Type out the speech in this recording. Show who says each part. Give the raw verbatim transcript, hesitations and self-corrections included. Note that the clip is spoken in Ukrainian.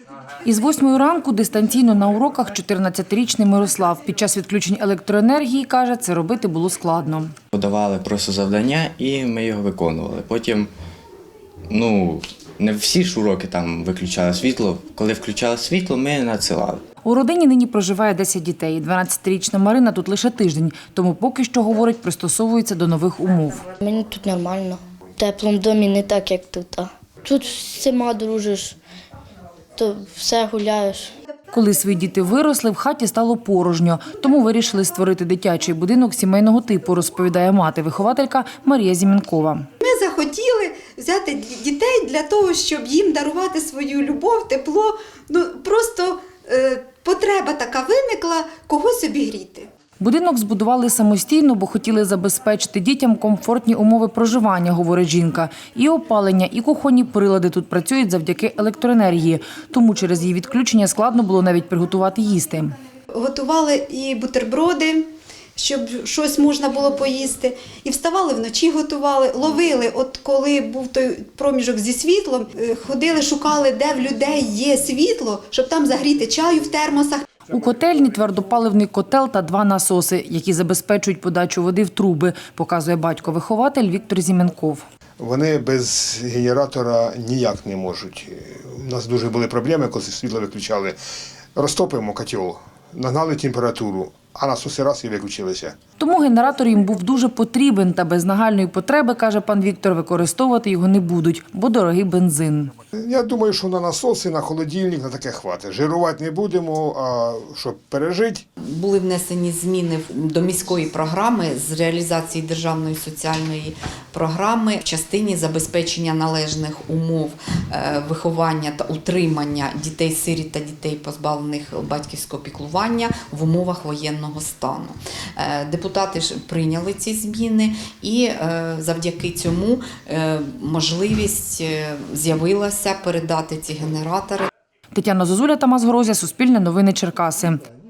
Speaker 1: Із восьмої ранку дистанційно на уроках чотирнадцятирічний Мирослав. Під час відключень електроенергії, каже, це робити було складно.
Speaker 2: Подавали просто завдання і ми його виконували. Потім, ну, не всі ж уроки там виключали світло. Коли включали світло, ми надсилали.
Speaker 1: У родині нині проживає десять дітей. дванадцятирічна Марина тут лише тиждень, тому поки що, говорить, пристосовується до нових умов.
Speaker 3: Мені тут нормально. В теплому домі не так, як тут. Тут з всіма дружиш, то все гуляєш.
Speaker 1: Коли свої діти виросли, в хаті стало порожньо, тому вирішили створити дитячий будинок сімейного типу, розповідає мати-вихователька Марія Зімінкова.
Speaker 4: Ми захотіли взяти дітей для того, щоб їм дарувати свою любов, тепло. Ну, просто е, потреба така виникла – когось обігріти.
Speaker 1: Будинок збудували самостійно, бо хотіли забезпечити дітям комфортні умови проживання, говорить жінка. І опалення, і кухонні прилади тут працюють завдяки електроенергії. Тому через її відключення складно було навіть приготувати їсти.
Speaker 4: Готували і бутерброди, щоб щось можна було поїсти. І вставали вночі, готували, ловили. От коли був той проміжок зі світлом, ходили, шукали, де в людей є світло, щоб там загріти чаю в термосах.
Speaker 1: У котельні твердопаливний котел та два насоси, які забезпечують подачу води в труби, показує батько-вихователь Віктор Зімінков.
Speaker 5: Вони без генератора ніяк не можуть. У нас дуже були проблеми, коли світло виключали. Розтопимо котел, нагнали температуру, а насоси раз і виключилися.
Speaker 1: Тому генератор їм був дуже потрібен, та без нагальної потреби, каже пан Віктор, використовувати його не будуть, бо дорогий бензин.
Speaker 5: Я думаю, що на насоси, на холодильник, на таке хватить. Жирувати не будемо, а щоб пережити.
Speaker 6: Були внесені зміни до міської програми з реалізації державної соціальної програми в частині забезпечення належних умов виховання та утримання дітей-сиріт та дітей, позбавлених батьківського піклування в умовах воєнного стану. Депутати ж прийняли ці зміни і завдяки цьому можливість з'явилася передати ці генератори.
Speaker 1: Тетяна Зозуля, Тамас Грозя, Суспільне новини, Черкаси.